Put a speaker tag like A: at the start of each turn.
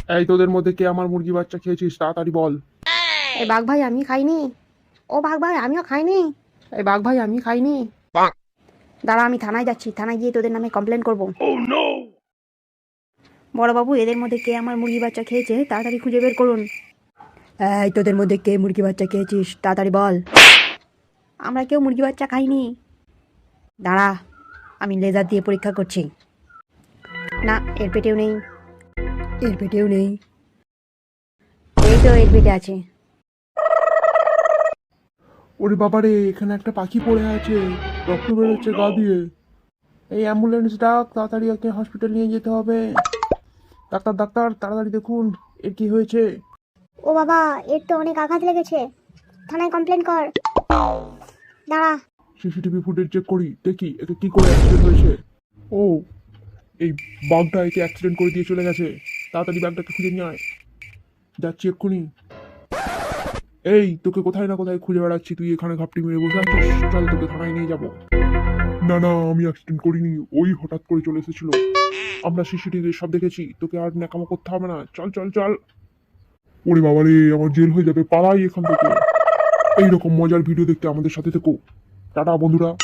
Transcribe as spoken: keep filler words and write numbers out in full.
A: এই তোদের মধ্যে কে আমার মুরগি বাচ্চা খেয়েছিস তাড়াতাড়ি বল।
B: এই বাঘ ভাই আমি খাইনি। ও বাঘ ভাই আমিও খাইনি। এই বাঘ ভাই আমি খাইনি। দাঁড়া আমি থানায় যাচ্ছি, থানায় গিয়ে তোদের নামে কমপ্লেন করবো। বড়বাবু এদের মধ্যে কে আমার মুরগি বাচ্চা খেয়েছে তাড়াতাড়ি খুঁজে বের করুন। এই তোদের মধ্যে কে মুরগি বাচ্চা খেয়েছিস তাড়াতাড়ি বল। আমরা কেউ মুরগি বাচ্চা খাইনি। দাঁড়া আমি লেজার দিয়ে পরীক্ষা করছি। না এর পেটেও নেই, এর পেটেও নেই, এই তো এর পেটে আছে।
A: ওরে বাবারে, এখানে একটা পাখি পড়ে আছে, রক্ত বেরোচ্ছে গা দিয়ে। এই অ্যাম্বুলেন্স ডাক, তাড়াতাড়ি ওকে হসপিটাল নিয়ে যেতে হবে। ডাক্তার ডাক্তার তাড়াতাড়ি দেখুন এর কি হয়েছে।
C: ও বাবা, এর তো অনেক আঘাত লেগেছে, থানায় কমপ্লেন কর। দাঁড়া।
A: সিসিটিভি ফুটেজ চেক করি, দেখি একে কি করে অ্যাক্সিডেন্ট হয়েছে। ও, এই বাঘটা একে অ্যাক্সিডেন্ট করে দিয়ে চলে গেছে। তাড়াতাড়ি বাঘটাকে খুঁজে নিয়ে আয়, যাচ্ছি এক্ষুনি। এই তোকে কোথায় না কোথায় খুঁজে বেড়াচ্ছি, তুই এখানে ঘাপটি মেরে বসে আছিস। চল তোকে থানায় নিয়ে যাব। না না, আমি অ্যাক্সিডেন্ট করিনি, ওই হঠাৎ করে চলে এসেছিল। আমরা সিসিটিভি সব দেখেছি, তোকে আর ন্যাকামো করতে হবে না, চল চল চল। ওরে বাবা রে, আমার জেল হয়ে যাবে, পালাই এখান থেকে। এইরকম মজার ভিডিও দেখতে আমাদের সাথে থেকো। টাটা বন্ধুরা।